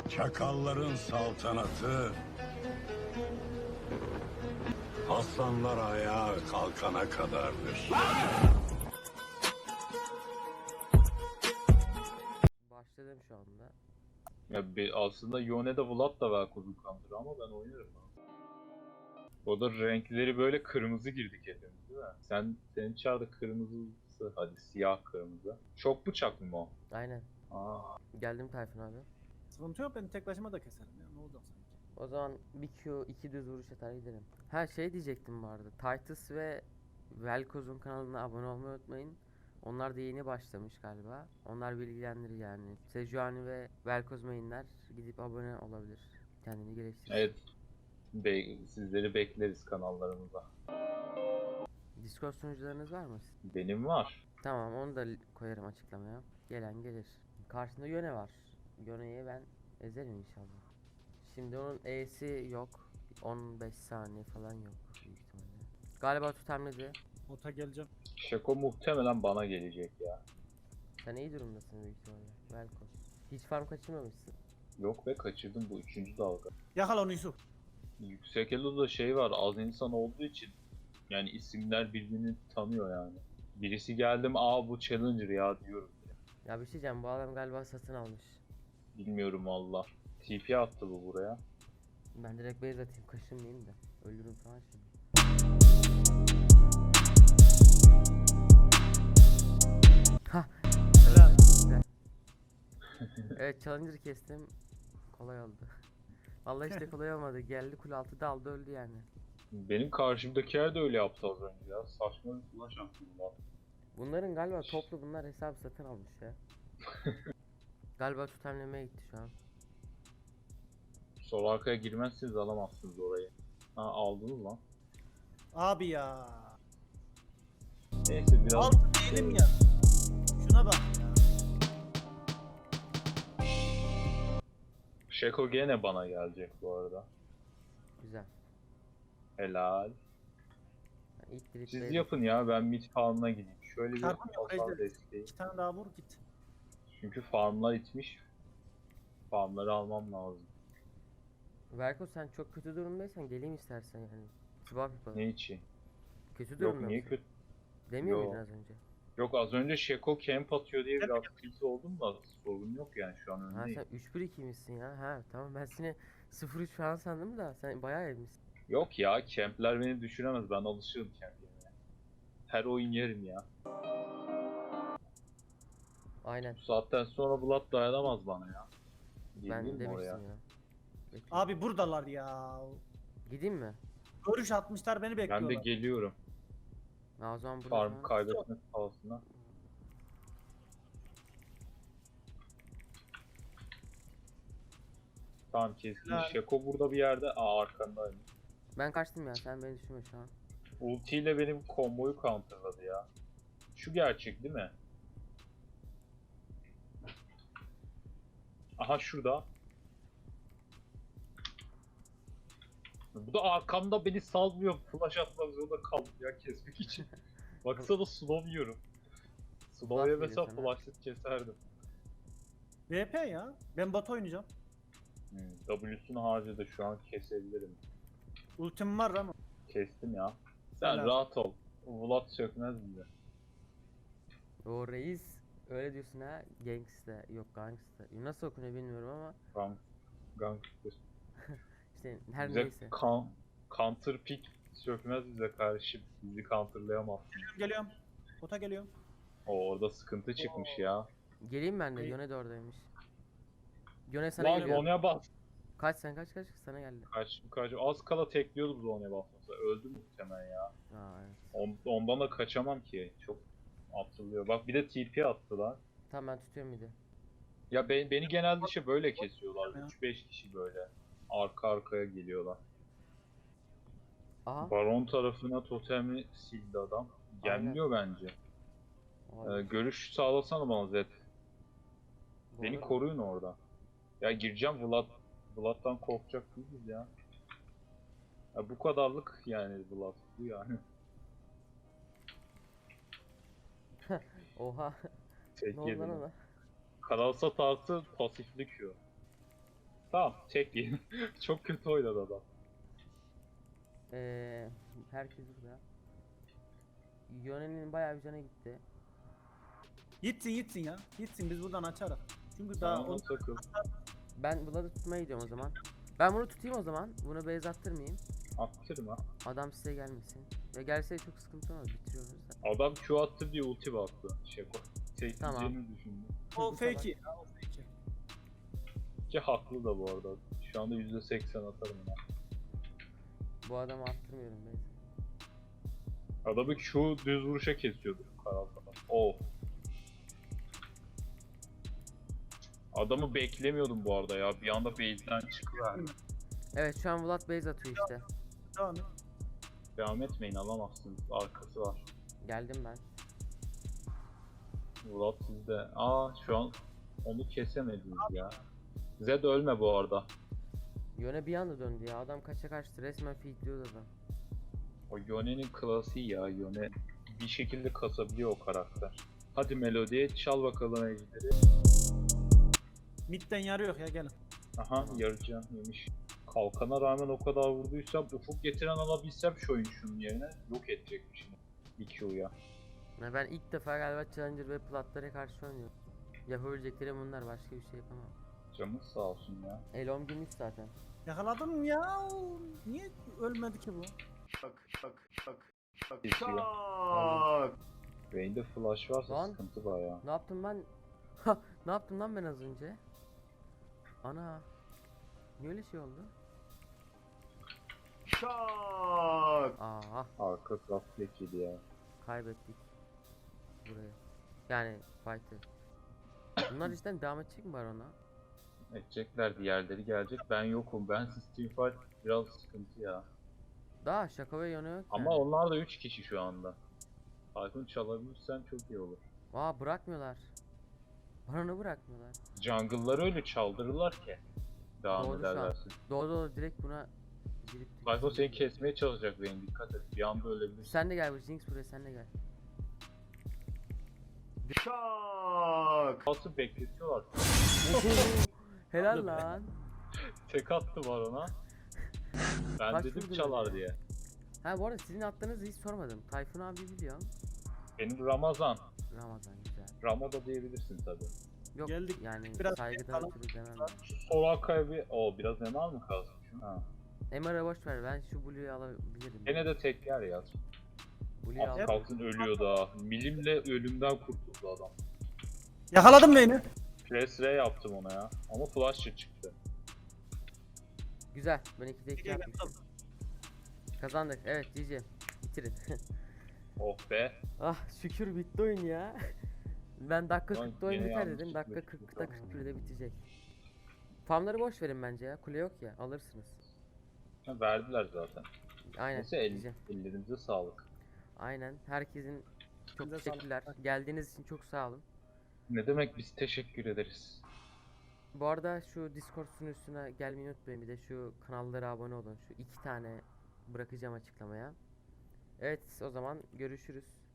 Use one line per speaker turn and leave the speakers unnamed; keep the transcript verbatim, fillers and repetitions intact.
Çakalların saltanatı aslanlar ayağa kalkana kadardır.
Başladım şu anda.
Ya be, aslında Yone'de Vlad da Velkoz'un counter'ı ama ben oynarım. O da renkleri böyle kırmızı girdik hepimiz değil mi? Sen, senin çarda kırmızısı, hadi siyah kırmızı. Çok bıçak mı o?
Aynen.
Aa,
Geldim Tayfun abi.
Sıkıntı yok, ben tek başıma da keserim ya, ne olacak sanki.
O zaman bir Q, iki düz vuruş atar gidelim. Ha şey diyecektim bu arada. Titus ve Velkoz'un kanalına abone olmayı unutmayın. Onlar da yeni başlamış galiba. Onlar bilgilendirir yani. Sejuani ve Velkoz mainler gidip abone olabilir. Kendini geliştirir.
evet. Be sizleri bekleriz kanallarımıza.
Discord sunucularınız var mı?
Benim var.
Tamam, onu da li- koyarım açıklamaya. Gelen gelir. Karşında Yone var. Yone'yi ben ezerim inşallah. Şimdi onun E'si yok. on beş saniye falan yok büyük ihtimalle. Galiba tutamladı.
Ota geleceğim.
Şako muhtemelen bana gelecek ya.
Sen iyi durumdasın büyük ihtimalle. Velkoz. Hiç farm kaçırmamışsın.
Yok be, kaçırdım, bu üçüncü dalga.
Yakala onu Yusuf.
Yüksek Elo'da şey var, az insan olduğu için yani isimler birbirini tanıyor yani. Birisi geldim, aa bu Challenger ya diyorum.
Ya bir şey diyeceğim, bu adam galiba satın almış.
Bilmiyorum valla. T P attı bu buraya.
Ben direkt base atayım, kaşınmayayım da. Ölürüm falan şimdi. Hah.
Helal.
Güzel. Evet, Challenger kestim. Kolay oldu. Vallahi işte kolay olmadı. Geldi kule altı daldı öldü yani.
Benim karşımdakiler de öyle yaptı az önce ya. Saçma bir flash attım lan.
Bunların galiba toplu bunlar hesabı satın almış ya. Galiba tutamlamaya gitti şu an.
Sol arkaya girmezseniz alamazsınız orayı. Ha, aldınız lan.
Abi ya.
Neyse biraz...
Altı değilim ya. Şuna bak ya.
Şeko gene bana gelecek bu arada.
Güzel.
Helal.
Yani ilk drip
Siz
base-
yapın ya, ben mid farm'ına gideyim. Şöyle bir
Çarpım yok,
hasar
Ejder.
desteği.
İki tane daha vur git.
Çünkü farmlar itmiş. Farmları almam lazım.
Verko sen çok kötü durumdaysan geleyim istersen yani. Swap yapalım.
Ne için?
Kötü
Yok
durumda
niye
mısın?
kötü?
Demiyor
Yo.
muydun az önce?
Yok, az önce Şeko camp atıyor diye biraz tilt oldum da sorun yok yani, şu an
Ha
öndeyim.
sen üç bir iki misin ya? Ha tamam, ben seni sıfır üç falan sandım da sen bayağı evmişsin.
Yok ya, campler beni düşüremez, ben alışığım camp yemeye. Her oyun yerim ya.
Aynen.
Bu saatten sonra Vlad dayanamaz bana ya.
Ben
Geleyim mi oraya?
demiştim ya. Bekle.
Abi buradalar ya.
Gideyim mi?
Görüş atmışlar, beni
Ben de
bekliyorlar.
geliyorum.
Ha, o zaman burada
Farm
falan-
kaybetmek pahasına. Tamam, kesin.
Helal.
Şeko burada bir yerde. Aa, arkandayım.
Ben kaçtım ya, sen beni düşünme şu an.
Ulti ile benim komboyu counterladı ya. Şu gerçek değil mi? Aha, şurada. Bu da arkamda beni salmıyor. Flash atmak zorunda kaldım ya kesmek için. Baksana, slow yiyorum. Slow yemesem
geliyor sana.
flash'lık keserdim.
V P ya. Ben bot oynayacağım.
Hmm, W'sunu harcadı, şu an kesebilirim.
Ultim var ama.
Kestim ya. Sen
Helal.
rahat ol. Vlad sökmez bize.
O reis öyle diyorsun ha, gangsta yok gangsta. Nasıl okunuyor bilmiyorum ama
Gang, gangster.
işte her
Bize
neyse.
kan, counter pick sökmez bize karşı. Bizi counterlayamazsın.
Geliyorum geliyorum. Ota geliyorum.
O orada sıkıntı çıkmış ya.
Geleyim ben de,
Hey.
Yone de oradaymış. Yone sana
Lan
geliyor.
Zonya bas.
Kaç sen kaç kaç sana geldi.
Kaç, kaç, az kala tekliyordu Zonya basmasa. Öldü muhtemelen ya.
Aa evet.
On, ondan da kaçamam ki. Çok atılıyor. Bak bir de T P attılar.
Tamam, ben tutuyorum bir de.
Ya be, beni genelde işte böyle kesiyorlar. üç beş kişi böyle. Arka arkaya geliyorlar.
Aha.
Baron tarafına totemi sildi adam. Gelmiyor bence. Ee, görüş sağlasana bana Zed.
Bu
Beni
arada-
koruyun orada. Ya gireceğim, Vlad. Vlad'dan korkacak değiliz ya. Ya bu kadarlık yani Vlad. Bu yani.
Oha.
Tek
Ne oldu lan
yedim.
ona?
Karalsa tartı pasiflik şu. Tamam tek yiyin. Çok kötü oynadı adam.
Ee, herkes burada. Yone'nin bayağı bir canı gitti.
Gitsin gitsin ya. Gitsin biz buradan açarız. Çünkü
Daha
daha
ona
o
takıl.
Ben Vlad'ı tutmaya gidiyorum o zaman. Ben bunu tutayım o zaman. Bunu base attırmayayım.
Attırma.
Adam size gelmesin. Ya gelse çok sıkıntı olmaz. Bitiriyoruz da.
Adam Q attı diye ulti baktı. Şeko. Tek
Tamam.
yiyeceğini düşündü.
o
Bu sefer-
fake'i. Ya, o fake'i.
Ki haklı da bu arada. Şu anda yüzde seksen atarım ya.
Bu adamı attırmıyorum base.
Adamı Q düz vuruşa kesiyordu. Karal falan. Oh. Adamı beklemiyordum bu arada ya. Bir anda base'den çıkıverdi.
Evet şu an Vlad base atıyor işte.
Devam et.
Devam etmeyin, alamazsınız. Arkası var.
Geldim ben.
Vlad sizde. Aa şu an onu kesemediniz ya. Zed ölme bu arada.
Yone bir anda döndü ya. Adam kaça kaçtı. Resmen feedliyordu adam.
O Yone'nin klasiği ya. Yone bir şekilde kasabiliyor o karakter. Hadi Melody'ye çal bakalım ejderi.
Midden yarı yok ya gelin.
Aha yarıcan yemiş. Kalkana rağmen o kadar vurduysam ufuk getiren alabilsem şu oyun şunun yerine yok edecekmişim. bir Q'ya.
Ya ben ilk defa galiba Challenger ve Platlara karşı oynuyorum. Yapabileceklerim bunlar. Başka bir şey yapamam.
Canınız sağ olsun ya.
Elom gümüş zaten.
Yakaladım ya. Niye ölmedi ki bu?
Kesiyor. Vayne'de flash varsa
Lan.
sıkıntı bayağı.
Ne yaptım ben? Ha, ne yaptım lan ben az önce? Ana. Niye öyle şey oldu? Aa,
Arka raflet yedi ya.
kaybettik. Burayı. Yani fight'ı. Bunlar cidden devam edecek mi var ona?
Edecekler, diğerleri gelecek. Ben yokum. Ben Steam Fight biraz sıkıntı ya.
Daha şaka ve yanı yok
Ama
yani.
onlar da üç kişi şu anda. Tayfun çalabilirsen çok iyi olur.
Aa bırakmıyorlar. Bana bırakmıyorlar.
Jungle'ları öyle çaldırırlar ki. Devam
Doğru şu an.
ederlerse.
Doğru doğru direkt buna girip
Tayfun seni kesmeye çalışacak benim, dikkat et. Bir anda ölebilirsin.
Sen de gel bu Jinx buraya sen de gel.
Nasıl bekletiyorlar?
Helal lan.
Tek attı var ona. Ben
Kaç
dedim
vurdun
çalar
öyle?
diye.
Ha bu arada sizin attığınızı hiç sormadım. Tayfun abi biliyorum.
Benim Ramazan.
Ramazan güzel.
Ramo da diyebilirsin tabi.
Yok
Geldik.
yani
Biraz
saygıdan
kalın.
ötürü demem. ben.
Solaka'ya bir... Oo biraz Neymar mı kalsın? Ha.
M R'a boş ver ben şu Blue'yu alabilirim.
Gene de tek yer ya.
Blue'yu
Az
al.
kalsın ölüyor da. Milimle ölümden kurtuldu adam.
Yakaladım beni.
Press R yaptım ona ya. Ama flash'ı çıktı.
Güzel. Ben ikide iki
Geriye
yapmışım. Kazandık. Evet G G. Bitirin.
Oh be.
Ah şükür bitti oyun ya. Ben dakika
Lan
kırkta oyun
yine
biter
yanlış
dedim. Dakika
çıkmış.
kırkta kırk birde bitecek. Farmları boş verin bence ya. Kule yok ya. Alırsınız.
Ha, verdiler zaten.
Aynen.
Neyse el,
Güzel.
ellerinize sağlık.
Aynen. Herkesin çok
Elinize sağlık.
teşekkürler. Geldiğiniz için çok sağ olun.
Ne demek, biz teşekkür ederiz.
Bu arada şu Discord sunucusuna gelmeyi unutmayın. Bir de şu kanallara abone olun. Şu iki tane bırakacağım açıklamaya. Evet o zaman görüşürüz.